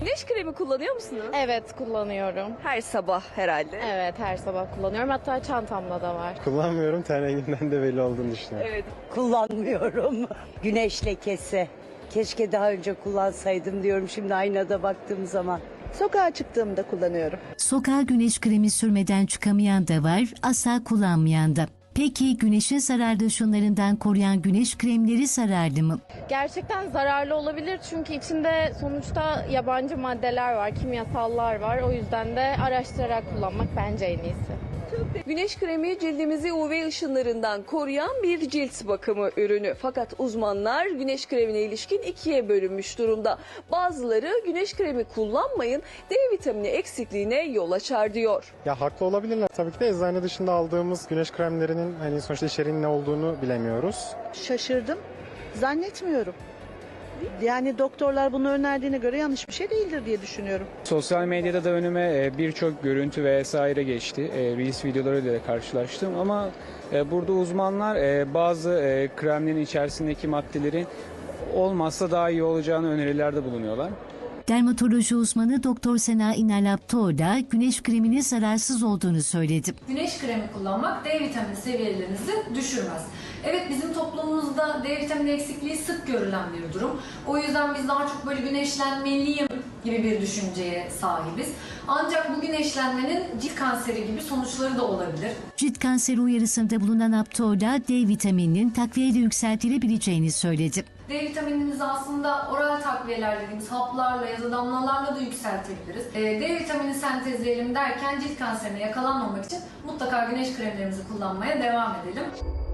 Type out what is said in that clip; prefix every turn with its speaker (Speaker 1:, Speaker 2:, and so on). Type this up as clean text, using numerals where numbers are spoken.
Speaker 1: Güneş kremi kullanıyor musunuz?
Speaker 2: Evet, kullanıyorum.
Speaker 1: Her sabah herhalde.
Speaker 2: Evet, her sabah kullanıyorum. Hatta çantamda da var.
Speaker 3: Kullanmıyorum, ten renginden de belli olduğunu düşünüyorum.
Speaker 1: Evet.
Speaker 4: Kullanmıyorum. Güneş lekesi. Keşke daha önce kullansaydım diyorum şimdi aynada baktığım zaman.
Speaker 5: Sokağa çıktığımda kullanıyorum.
Speaker 6: Sokağa güneş kremi sürmeden çıkamayan da var, asla kullanmayan da. Peki güneşin zararlı ışınlarından koruyan güneş kremleri zararlı mı?
Speaker 2: Gerçekten zararlı olabilir çünkü içinde sonuçta yabancı maddeler var, kimyasallar var. O yüzden de araştırarak kullanmak bence en iyisi.
Speaker 1: Güneş kremi cildimizi UV ışınlarından koruyan bir cilt bakımı ürünü. Fakat uzmanlar güneş kremine ilişkin ikiye bölünmüş durumda. Bazıları güneş kremi kullanmayın, D vitamini eksikliğine yol açar diyor.
Speaker 3: Ya haklı olabilirler. Tabii ki de eczane dışında aldığımız güneş kremlerinin hani sonuçta içeriğinin ne olduğunu bilemiyoruz.
Speaker 5: Şaşırdım. Zannetmiyorum. Yani doktorlar bunu önerdiğine göre yanlış bir şey değildir diye düşünüyorum.
Speaker 7: Sosyal medyada da önüme birçok görüntü vesaire geçti. Reels videolarıyla da karşılaştım ama burada uzmanlar bazı kremlerin içerisindeki maddelerin olmazsa daha iyi olacağını önerilerde bulunuyorlar.
Speaker 6: Dermatoloji uzmanı Doktor Sena İnalaptor da güneş kreminin zararsız olduğunu söyledi.
Speaker 8: Güneş kremi kullanmak D vitamini seviyelerinizi düşürmez. Evet, bizim toplumumuzda D vitamini eksikliği sık görülen bir durum. O yüzden biz daha çok böyle güneşlenmeliyim gibi bir düşünceye sahibiz. Ancak bu güneşlenmenin cilt kanseri gibi sonuçları da olabilir.
Speaker 6: Cilt kanseri uyarısında bulunan Aptor da D vitamininin takviyeyle yükseltilebileceğini söyledi.
Speaker 8: D vitaminimizi aslında oral takviyeler dediğimiz haplarla ya da damlalarla da yükseltebiliriz. D vitamini sentezleyelim derken cilt kanserine yakalanmamak için mutlaka güneş kremlerimizi kullanmaya devam edelim.